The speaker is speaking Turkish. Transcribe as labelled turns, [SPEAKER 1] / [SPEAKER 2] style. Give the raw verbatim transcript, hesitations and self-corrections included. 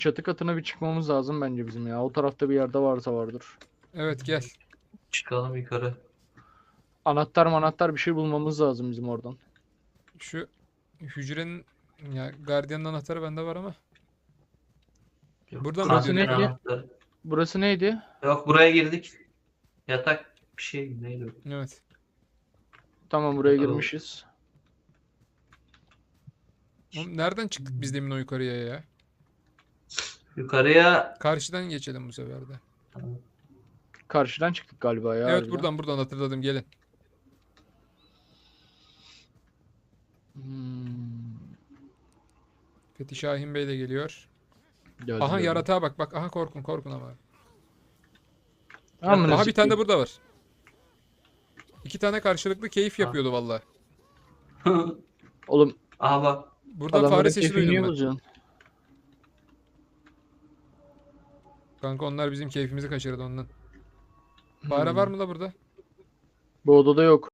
[SPEAKER 1] Çatı katına bir çıkmamız lazım bence bizim ya. O tarafta bir yerde varsa vardır.
[SPEAKER 2] Evet gel.
[SPEAKER 3] Çıkalım yukarı.
[SPEAKER 1] Anahtar manahtar bir şey bulmamız lazım bizim oradan.
[SPEAKER 2] Şu hücrenin ya gardiyanın anahtarı bende var ama.
[SPEAKER 3] Yok,
[SPEAKER 2] Burada mı
[SPEAKER 1] Burası
[SPEAKER 2] diyorsun?
[SPEAKER 1] neydi?
[SPEAKER 3] anahtarı.
[SPEAKER 1] Burası neydi?
[SPEAKER 3] Yok, buraya girdik. Yatak bir şey neydi o?
[SPEAKER 2] Evet.
[SPEAKER 1] Tamam, buraya
[SPEAKER 3] Tamam.
[SPEAKER 1] girmişiz.
[SPEAKER 2] Oğlum nereden çıktık biz demin o yukarıya ya?
[SPEAKER 3] Yukarıya
[SPEAKER 2] Karşıdan geçelim bu sefer de.
[SPEAKER 1] Karşıdan çıktık galiba ya.
[SPEAKER 2] Evet
[SPEAKER 1] harbiden.
[SPEAKER 2] buradan buradan hatırladım gelin.
[SPEAKER 1] Hmm.
[SPEAKER 2] Fethi Şahin Bey de geliyor.
[SPEAKER 1] Geldi,
[SPEAKER 2] Aha
[SPEAKER 1] geldi.
[SPEAKER 2] yaratığa bak bak. Aha korkun korkun ama.
[SPEAKER 1] Amına
[SPEAKER 2] Aha bir tane de
[SPEAKER 1] sikeyim.
[SPEAKER 2] burada var. İki tane karşılıklı keyif yapıyordu valla.
[SPEAKER 1] Oğlum
[SPEAKER 3] Aha bak.
[SPEAKER 2] Buradan
[SPEAKER 1] adamların
[SPEAKER 2] fare sesi
[SPEAKER 1] keyfini niye
[SPEAKER 2] duydum ben.
[SPEAKER 1] bozuyorsun?
[SPEAKER 2] Kanka onlar bizim keyfimizi kaçırdı ondan. Fare
[SPEAKER 1] Hmm.
[SPEAKER 2] var mı la burada?
[SPEAKER 1] Bu odada yok.